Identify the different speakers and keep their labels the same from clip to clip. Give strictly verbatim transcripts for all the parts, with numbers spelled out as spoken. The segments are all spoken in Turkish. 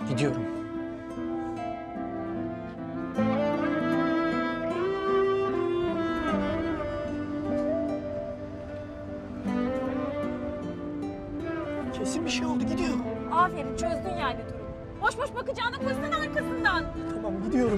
Speaker 1: Gidiyorum. Kesin bir şey oldu, gidiyor.
Speaker 2: Aferin, çözdün yani durumu. Boş boş bakacağına koşsana arkasından.
Speaker 1: Tamam, gidiyorum.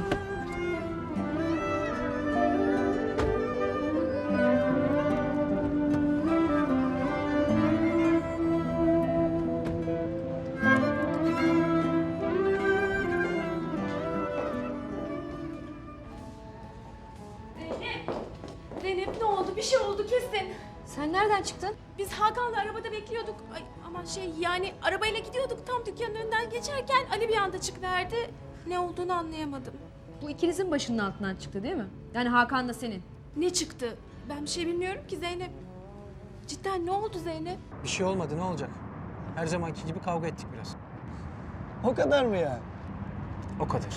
Speaker 2: Zeynep, Zeynep ne oldu? Bir şey oldu kesin.
Speaker 3: Sen nereden çıktın?
Speaker 2: Biz Hakan'la arabada bekliyorduk. Ay, aman şey yani arabayla gidiyorduk. Tam dükkanın önünden geçerken Ali bir anda çıkıverdi. Ne olduğunu anlayamadım.
Speaker 3: Bu ikinizin başının altından çıktı değil mi? Yani Hakan da senin.
Speaker 2: Ne çıktı? Ben bir şey bilmiyorum ki Zeynep. Cidden ne oldu Zeynep?
Speaker 1: Bir şey olmadı, ne olacak? Her zamanki gibi kavga ettik biraz.
Speaker 4: O kadar mı ya?
Speaker 1: O kadar.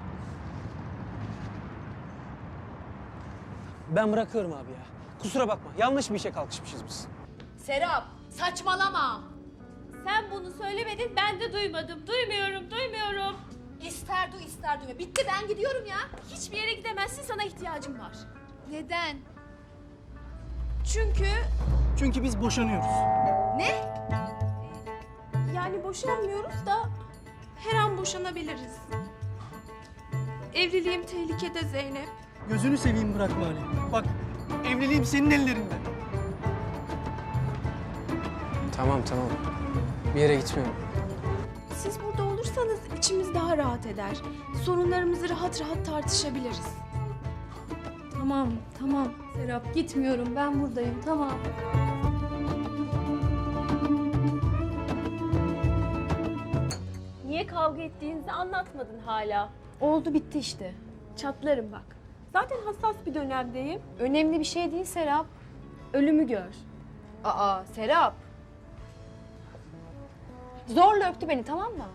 Speaker 1: Ben bırakıyorum abi ya. Kusura bakma, yanlış bir işe kalkışmışız biz.
Speaker 3: Serap, saçmalama.
Speaker 2: Sen bunu söylemedin, ben de duymadım. Duymuyorum, duymuyorum.
Speaker 3: İster du ister duyma. Bitti, ben gidiyorum ya.
Speaker 2: Hiçbir yere gidemezsin, sana ihtiyacım var.
Speaker 3: Neden?
Speaker 2: Çünkü
Speaker 4: Çünkü biz boşanıyoruz.
Speaker 3: Ne?
Speaker 2: yani boşanmıyoruz da her an boşanabiliriz. Evliliğim tehlikede Zeynep.
Speaker 4: Gözünü seveyim bırakma Ali. Bak, evliliğim senin ellerinde.
Speaker 1: Tamam, tamam. Bir yere gitmiyorum.
Speaker 2: Siz burada olursanız içimiz daha rahat eder. Sorunlarımızı rahat rahat tartışabiliriz.
Speaker 3: Tamam, tamam. Serap, gitmiyorum. Ben buradayım, tamam.
Speaker 2: Niye kavga ettiğinizi anlatmadın hala.
Speaker 3: Oldu, bitti işte.
Speaker 2: Çatlarım bak. Zaten hassas bir dönemdeyim.
Speaker 3: Önemli bir şey değil Serap. Ölümü gör. Aa, Serap. Zorla öptü beni, tamam mı?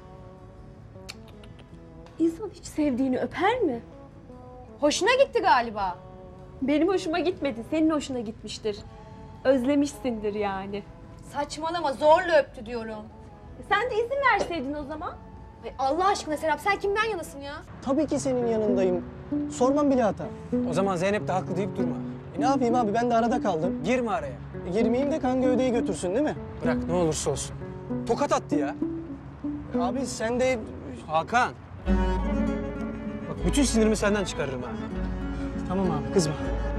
Speaker 2: İnsan hiç sevdiğini öper mi?
Speaker 3: Hoşuna gitti galiba.
Speaker 2: Benim hoşuma gitmedi, senin hoşuna gitmiştir. Özlemişsindir yani.
Speaker 3: Saçmalama, zorla öptü diyorum.
Speaker 2: E sen de izin verseydin o zaman.
Speaker 3: Ay Allah aşkına Serap, sen kimden yanasın ya?
Speaker 4: Tabii ki senin yanındayım. Sormam bile hata.
Speaker 1: O zaman Zeynep de haklı deyip durma.
Speaker 4: E ne yapayım abi, ben de arada kaldım.
Speaker 1: Girme araya.
Speaker 4: E girmeyeyim de kan gövdeyi götürsün değil mi?
Speaker 1: Bırak, ne olursa olsun. Tokat attı ya.
Speaker 4: E abi sen de...
Speaker 1: Hakan. Bak bütün sinirimi senden çıkarırım ha.
Speaker 4: Tamam abi, kızma.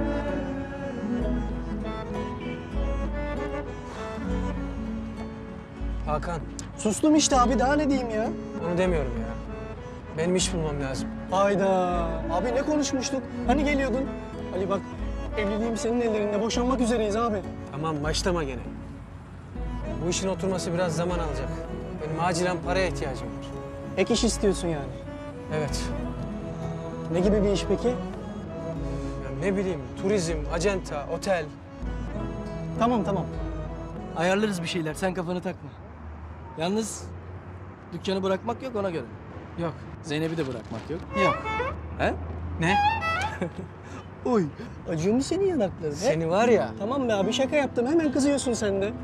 Speaker 1: Hakan,
Speaker 4: Sustum işte abi, daha ne diyeyim ya?
Speaker 1: onu demiyorum ya. Benim iş bulmam lazım.
Speaker 4: Hayda. Abi ne konuşmuştuk? Hani geliyordun? Ali bak, evliliğim senin ellerinde. Boşanmak üzereyiz abi.
Speaker 1: Tamam, başlama gene. Bu işin oturması biraz zaman alacak. Benim acilen paraya ihtiyacım var.
Speaker 4: Ek iş istiyorsun yani.
Speaker 1: Evet.
Speaker 4: Ne gibi bir iş peki?
Speaker 1: Ya ne bileyim, turizm, acenta, otel.
Speaker 4: Tamam tamam. Ayarlarız bir şeyler, sen kafanı takma. Yalnız dükkanı bırakmak yok, ona göre.
Speaker 1: Yok.
Speaker 4: Zeynep'i de bırakmak yok.
Speaker 1: Yok.
Speaker 4: He?
Speaker 1: Ne?
Speaker 4: Oy, acıyor mu senin yanakların? he?
Speaker 1: Seni var ya.
Speaker 4: Tamam be abi, şaka yaptım. Hemen kızıyorsun sen de.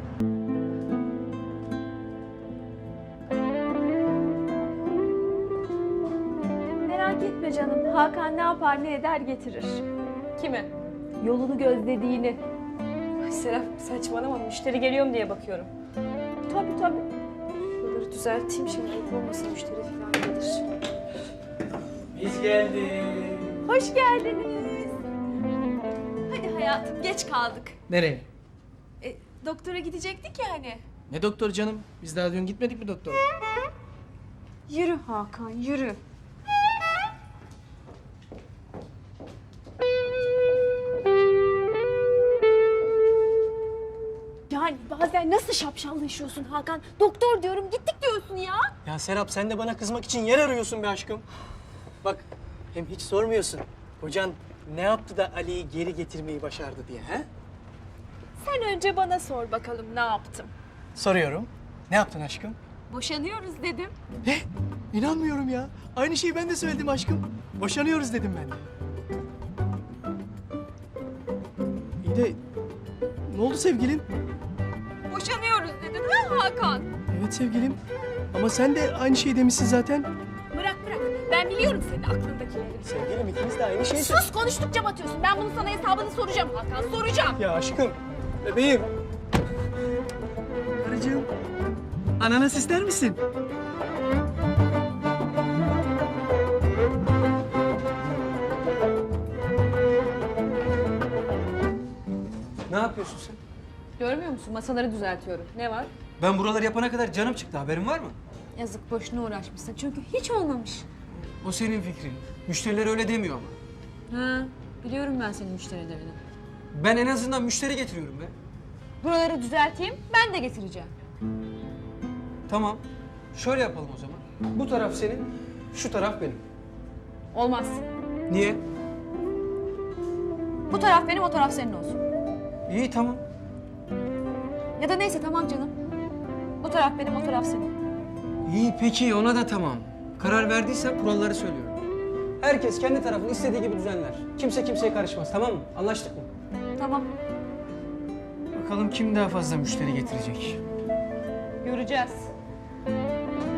Speaker 2: Merak etme canım. Hakan ne yapar ne eder getirir.
Speaker 3: Kimi?
Speaker 2: Yolunu gözlediğini.
Speaker 3: Ay Serap, saçmalama. Müşteri geliyor mu diye bakıyorum.
Speaker 2: Tabii tabii.
Speaker 3: Buraları düzelteyim şimdi. Olmasın müşteri falan gelir.
Speaker 4: Biz geldik.
Speaker 2: Hoş geldiniz. Hadi hayatım geç kaldık.
Speaker 4: Nereye?
Speaker 2: E, doktora gidecektik ya hani.
Speaker 4: Ne doktor canım? Biz daha dün gitmedik mi doktora?
Speaker 2: Yürü Hakan yürü. Yani bazen nasıl şapşallaşıyorsun Hakan? Doktor diyorum gittik diyorsun ya.
Speaker 4: Ya Serap, sen de bana kızmak için yer arıyorsun be aşkım. Bak, hem hiç sormuyorsun. Kocan ne yaptı da Ali'yi geri getirmeyi başardı diye, he?
Speaker 2: Sen önce bana sor bakalım ne yaptım.
Speaker 4: Soruyorum. Ne yaptın aşkım?
Speaker 2: Boşanıyoruz dedim.
Speaker 4: Ne? İnanmıyorum ya. Aynı şeyi ben de söyledim aşkım. Boşanıyoruz dedim ben de. İyi de ne oldu sevgilim?
Speaker 2: Boşanıyoruz dedim ha Hakan?
Speaker 4: Evet sevgilim. Ama sen de aynı şeyi demişsin zaten.
Speaker 2: Bırak bırak. Ben biliyorum senin aklındakileri.
Speaker 4: Sevgilim ikimiz de aynı şeyi
Speaker 2: Sus, konuştukça batıyorsun. Ben bunun sana hesabını soracağım Hakan, soracağım.
Speaker 4: Ya aşkım, bebeğim. Karıcığım, ananas ister misin?
Speaker 1: Ne yapıyorsun sen?
Speaker 3: Görmüyor musun? Masaları düzeltiyorum. Ne var?
Speaker 1: Ben buraları yapana kadar canım çıktı. Haberin var mı?
Speaker 3: Yazık, boşuna uğraşmışsın. Çünkü hiç olmamış.
Speaker 1: O senin fikrin. Müşteriler öyle demiyor ama.
Speaker 3: Ha, biliyorum ben senin müşterilerini.
Speaker 1: Ben en azından müşteri getiriyorum be.
Speaker 3: Buraları düzelteyim, ben de getireceğim.
Speaker 1: Tamam. Şöyle yapalım o zaman. Bu taraf senin, şu taraf benim.
Speaker 3: Olmaz.
Speaker 1: Niye?
Speaker 3: Bu taraf benim, o taraf senin olsun.
Speaker 1: İyi tamam.
Speaker 3: Ya da neyse, tamam canım. Bu taraf benim, o taraf senin.
Speaker 1: İyi peki ona da tamam. Karar verdiysen kuralları söylüyorum. Herkes kendi tarafını istediği gibi düzenler. Kimse kimseye karışmaz, tamam mı? Anlaştık mı?
Speaker 3: Tamam,
Speaker 1: Bakalım kim daha fazla müşteri getirecek.
Speaker 3: göreceğiz.